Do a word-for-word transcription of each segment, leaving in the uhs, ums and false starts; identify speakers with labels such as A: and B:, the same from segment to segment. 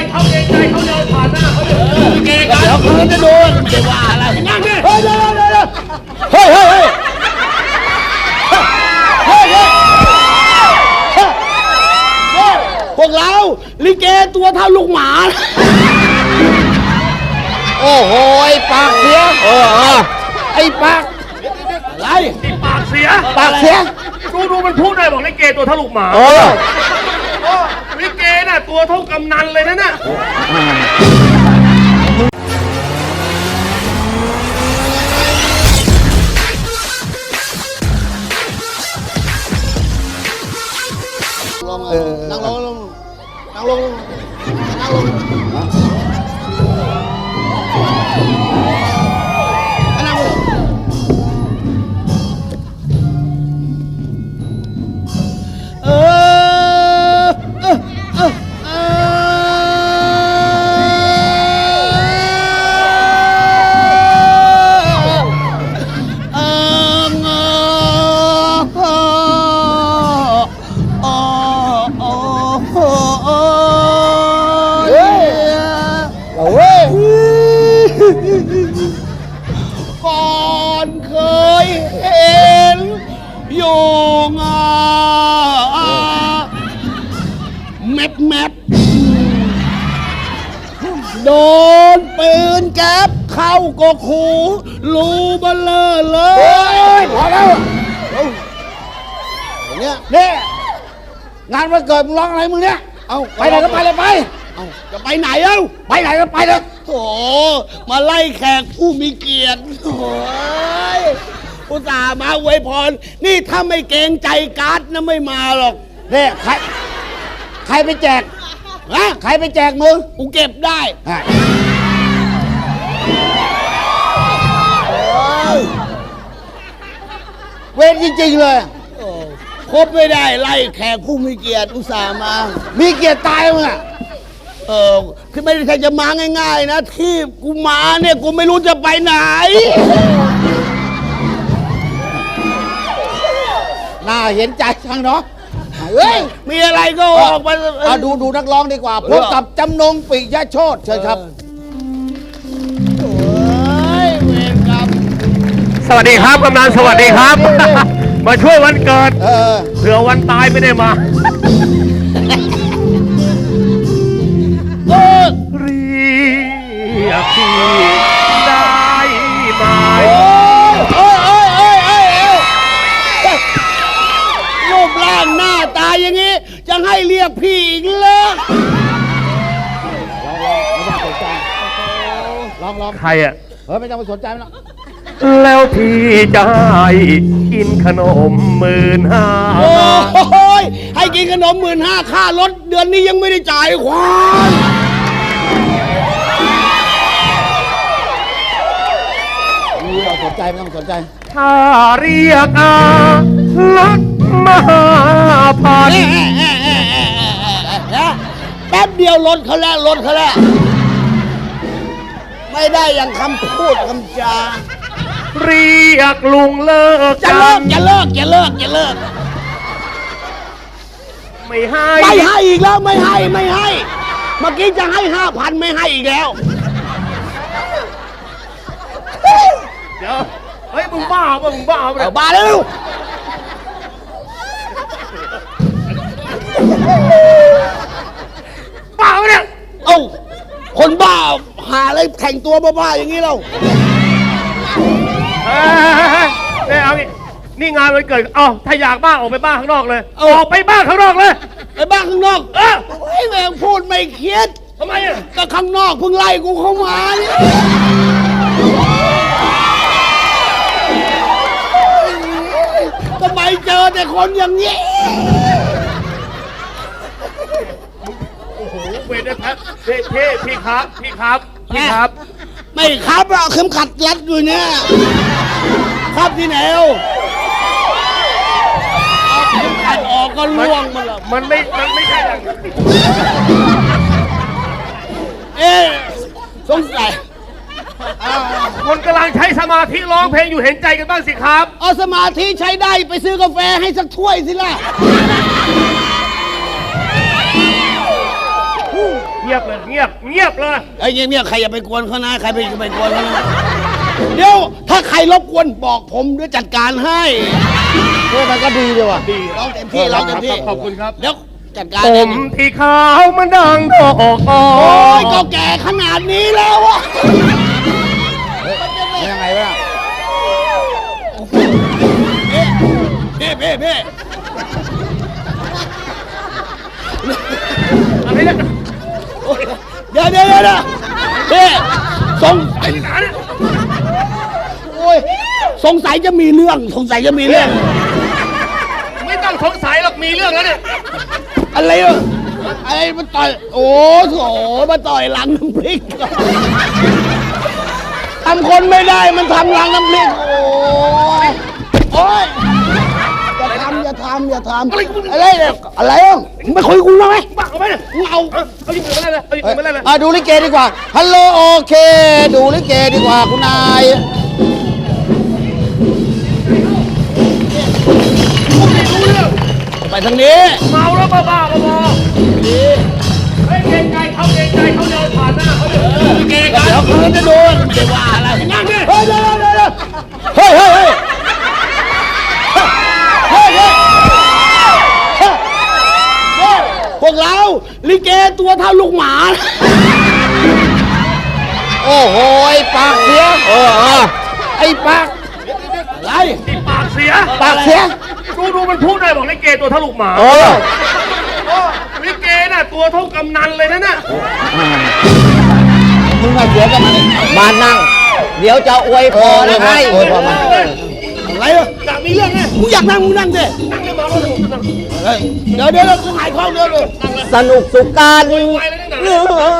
A: เขาเกรงใจเขาเดินผ่านหน้าเขาเดินเกรงกัน
B: เดี๋ยวเขาจะโดนไม่ว่าอะไรนั่งดิเฮ้ยเดี๋ยวเดี๋ยวเดี๋ยวเฮ้ยเฮ้ยเฮ้ยเฮ้ยเฮ้ยพวกเราลิเกตัวเท่าลูกหมาโอ้โหไอ้ปากเสียเออไอ้ปากอะไร
A: ปากเสีย
B: ปากเสีย
A: ดูดูมันพูดได้บอกลิเกตัวเท่าลูกหมาลิเกน่ะตัวเท่ากำนันเลยนะน่ะ
B: นั่งลงนั่งลงนั่งลงนั่งลงนั่งลงเออเออเออเอก่อนเคยเห็นอยู่งาแมปแมปโดนปืนแก๊ปเข้าก็คูรูเบลอเลยพอแล้วเนี่ยเนี่ยงานวันเกิดมึงร้องอะไรมึงเนี่ยเอาไปไหนก็ไปเลยไปเอาจะไปไหนเอ้าไปไหนก็ไปเลยโถ่มาไล่แขกผู้มีเกียรติโถ่อุตส่าห์มาอวยพรนี่ถ้าไม่เกรงใจการ์ดนะไม่มาหรอกเนี่ยใครใครไปแจกฮะใครไปแจกมึงกูเก็บได้เวรจริงๆเลยครบไม่ได้ไล่แขกผู้มีเกียรติอุตส่าห์มามีเกียรติตายมึงอ่ะเออคือไม่ได้ใครจะมาง่ายๆนะที่กูมาเนี่ยกูไม่รู้จะไปไหนน่าเห็นใจช่างเนาะเฮ้ยมีอะไรก็ออกมาเอาดูดูนักร้องดีกว่าพบกับจำนงปิยโชติเชิญครับโอ้ยเวรกรรม
A: สวัสดีครับกำนันสวัสดีครับมาช่วยวันเกิดเผื่อวันตายไม่ได้มาเรียกพี่ได้ไหม
B: โอ้ยโอ้ยโอ้ยโอ้ยโอ้ยรูปร่างหน้าตาอย่างนี้จะให้เรียกพี่อีกเหรอลองลอง
A: ใครอ่ะ
B: เฮ้ยไม่ต้องไปสนใจมันหรอก
A: แล้วพี่จะให้กินขนมหมื่นห้า
B: โอ้ยให้กินขนมหมื่นห้าค่ารถเดือนนี้ยังไม่ได้จ่ายควายไม่ต้องสนใจไม่ต้องสนใจ
A: ถ้าเรียกอาลักมหาพัน
B: แป๊บเดียวรถเขาแล้วรถเขาแล้วไม่ได้อย่างคำพูดคำจา
A: เรียกลุงเลิก
B: จะเลิกจะเลิกจะเลิกจะเลิก
A: ไม่ให้
B: ไม่ให้อีกแล้วไม่ให้ไม่ให้เมื่อกี้จะให้ห้าพันไม่ให้อีกแล้ว
A: เดี๋ยวเฮ้ยมึงบ้าป่ะมึงบ้าป่ะ
B: บ้าแล้ว
A: บ้าเนี่ย
B: เอ้าคนบ้าหาอะไรแข่งตัวบ้าๆอย่างนี้เรา
A: เฮ้ยนี่เอางี้นี่งานวันเกิดเอ้าถ้าอยากบ้าออกไปบ้าข้างนอกเลยออกไปบ้าข้างนอกเลย
B: ไปบ้าข้างนอกเออไอ้แม่งพูดไม่เครียด
A: ทำไมอ่ะ
B: ก็ข้างนอกเพิ่งไล่กูเข้ามาเนี่ยทำไมเจอแต่คนอย่างนี้
A: โอ้โหเวรนะเท่เท่พี่ครับพี่ครับพี่ครับ
B: ไม่ครับอะเข็มขัดรัดอยู่เนี่ยครับที่ไหนเอาเข็มขัดออกก็ล่วงมันละ
A: มันไม่มันไม่ใช่อย่าง
B: เอ๊ะสงสัย
A: คนกำลังใช้สมาธิร้องเพลงอยู่เห็นใจกันบ้างสิครับ
B: เอาสมาธิใช้ได้ไปซื้อกาแฟให้สักถ้วยสิล่ะ
A: เงียบเลยเงียบเงียบเลย
B: ไอ้เงียบๆใครอย่าไปกวนเขานะใครไปไปกวนเขานะเดี๋ยวถ้าใครรบกวนบอกผมเดี๋ยวจัดการให้เพื่อมันก็ดีดีว่ะ
A: ดี
B: ร้องเต็มที่ร้องเต็มที่
A: ขอบคุณครับ
B: เดี๋ยวจัดการ
A: ผ
B: เอง
A: มที่ขาวมันดังดอกอ้อ
B: โอ้ยก็แก่ขนาดนี้แล้วอะยังไงวะเพ่เพ่เพ่
A: อะไรเนี่ย
B: เดี๋ยวเดี๋ยวเดี๋ยวเพ่สงสัยโอ้ยสงสัยจะมีเรื่องสงสัยจะมีเรื่อง
A: ไม่ต้องสงสัยหรอกมีเรื่องแล้วเนี่ย
B: อะไรอ่ะอะไรมาต่อยโอ้โถมาต่อยหลังน้ำพริกทำคนไม่ได้มันทำหลังน้ำพริกโอ้ยโอ้ยอย่าทำอย่าทำอย่าทำอะไรเนี่ยอะไรอ่ะมึงไปคุยกับกูมาไหม
A: บ้าเอาไปเนี่ย
B: มึงเอา
A: เอาเอาหยิบมือมาเลยเอาหยิบมือมาเลย
B: อ่ะดูลิเกดีกว่าฮัลโหลโอเค ดูลิเกดีกว่าคุณนายไปทางนี้
A: เมาแล้วบ้าบ้าบอเฮ้ยเกรงใจเขาเกรงใจเขาเดินผ่านหน้าเขาเดินเกรงใจ
B: เดี๋ยวคืนจะโดนไม่ได้ว่าอะไร
A: นั่งดิ
B: เฮ้ยเดี๋ยวเดี๋ยวเดี๋ยวเฮ้ยเฮ้ยเฮ้ยเฮ้ยเฮ้ยเฮ้ยพวกเราลิเกตัวเท่าลูกหมาโอ้โหไอ้ปากเสียเออเออไอ้ปากอะไร
A: ติดปากเสีย
B: ปากเสีย
A: ดูดูมันพูดได้บอกลิเกตัวเท่าลูกหมา
B: เออ
A: โอ้ลิเกน่ะตัวเท่ากำนันเลยนะน่ะ
B: มึงมาเสียกันมานั่ง เดี๋ยวจะอวยพรให้อวยพรมาอะไรอ่ะ
A: อยากมีเรื่องไง
B: มึงอยากนั่งมึงนั่งดิ
A: นั่งเลยมาแล้วนั่ง
B: เดี๋ยวเดี๋ยวกูหายคล่องเดี๋ยวเลย
C: สนุกสุขการ
A: ไปเลย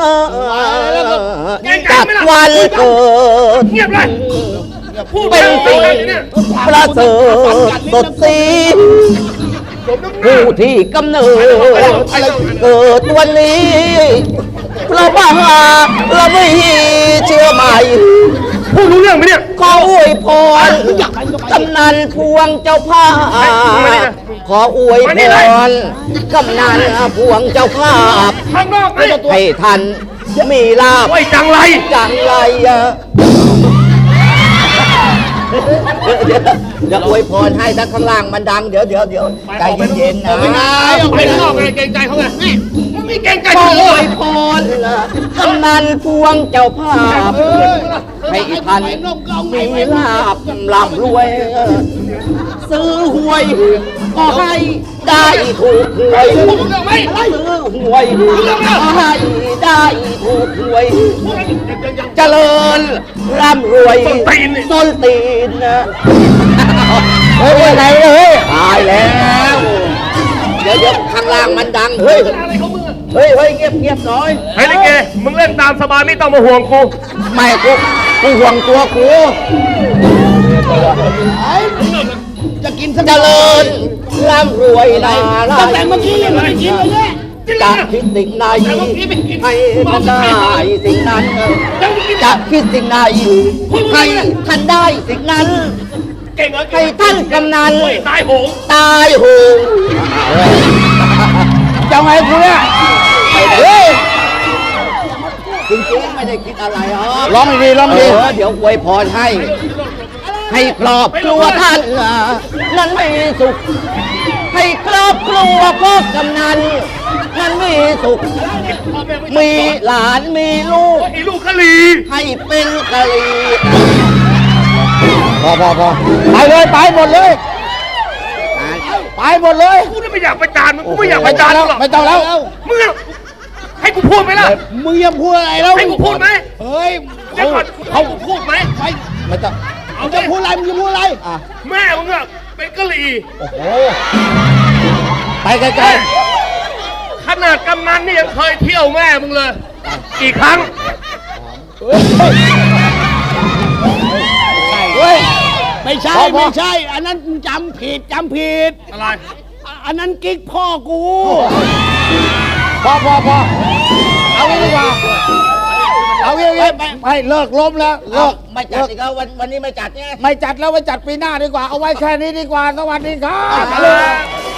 A: นั่ง
C: จัดวันเกิด
A: เงียบเลยพูด
C: เป็นสิ่ง
A: เนี่ย
C: ประเสริฐสดสีผู้ที่กำเนิดเกิดวันนี้เราบ้าเราไม่เชื่อใหม่
A: พูดรู้เรื่องไหมเนี่ย
C: ขออวยพรกำนันพวงเจ้าภาพขออวยพรกำนันพวงเจ้าภาพ
A: ข้างนอกนี่
C: ให้ท่านมีลาภ
A: ไอ้จังไร
C: จังไรอะเดี๋ยวเดี๋ยวอวยพรให้ถ้าข้างล่างมันดังเดี๋ยวเดี๋ยวเดี๋ยวใจเย็นๆนะ
B: ไม่ได้
A: ไปข้างนอกเลยเกรงใจเขาไงมึงมีเกรงใจ
C: ขอ
A: เขา
C: อ
A: เล
C: วย ยพรกำนันพวงเจ้าภาพให้ท่านมีลาภร่ำรวย ซื้อหวยก็ให้ได้ถูกหวยซื้อหวยก็ให้ได้ถูกหวยเจริญร่ำรวยต้นตีนนะเฮ้ยไปไหนเลยตายแล้ว เดี๋ยวเดี๋ยวข้างล่างมันดังเฮ้ยเฮ้ยเฮ้ยเงียบเงียบหน่อย
A: เฮ้ยลิเกมึงเล่นตามสบายไม่ต้องมาห่วงกู
C: ไม่กูกูห่วงตัวกู
B: จะกินสัก
C: เจริญร่ำรวยนารา
B: ตั้งแต่เมื่อกี้ยังไม่ได้กินเลยเนี่ย
C: จะคิดสิ่งใดให้ท่านได้สิ่งนั้นจะคิดสิ่งใดให้ท่านได้สิ่งนั้น
A: เก่งเหรอ
C: ให้ท่านกำนัน
A: ตายโหง
C: ตายโหง
B: จะไงกูเนี่ย
C: เฮ้ยจริงๆไม่ได้คิดอะไรหรอก
B: ร้องดีร้อง
C: เอ
B: ดี
C: อเดี๋ยวอวยพรให้ ให้ครอบครัวท่านนั้นมีสุข ให้ครอบครัวพ่อกำนันนั้นมีสุข มีหลานมีลูก
A: ไอ้ลูกกะลี
C: ให้เป็นกะลี
B: พอพอพอไปเลยไปหมดเลยไปหมดเลย
A: กูไม่อยากประจานมึงกูไม่อยากประจาน
B: แล้
A: มึ
B: ว
A: งหรอก
B: ไม่ต้องแล้ว
A: มึงอะให้กูพูดไหมล่ะ
B: มึงยังพูดอะไรแล้ว
A: ให้กูพูดไหม
B: เฮ้ย
A: เดี๋ยวก่อนให้กูพูดไหม
B: ไม่ไม่ต้อง
A: เอา
B: มึง
A: ดิ
B: จะพูดอะไรมึงจะพูดอะไร
A: แม่มึงอะเป็นกะลี
B: ไปไกล
A: ขนาดกำนันนี่ยังเคยเที่ยวแม่มึงเลยกี่ครั้ง
B: ๆเฮ้ยไม่ใช่ไม่ใช่ อันนั้นจำผิดจำผิด
A: อะไร
B: อันนั้นกิ๊กพ่อกูพอพอพอเอางี้ดีกว่าเอางี้เอางี้ไปไปเลิกล้มแล้วเลิก
C: ไม่จัดอีกแล้ววันวันนี้ไม่จัดไง
B: ไม่จัดแล้วไปจัดปีหน้าดีกว่า เอาไว้แค่นี้ดีกว่า สวัสดีครับ
A: ครับ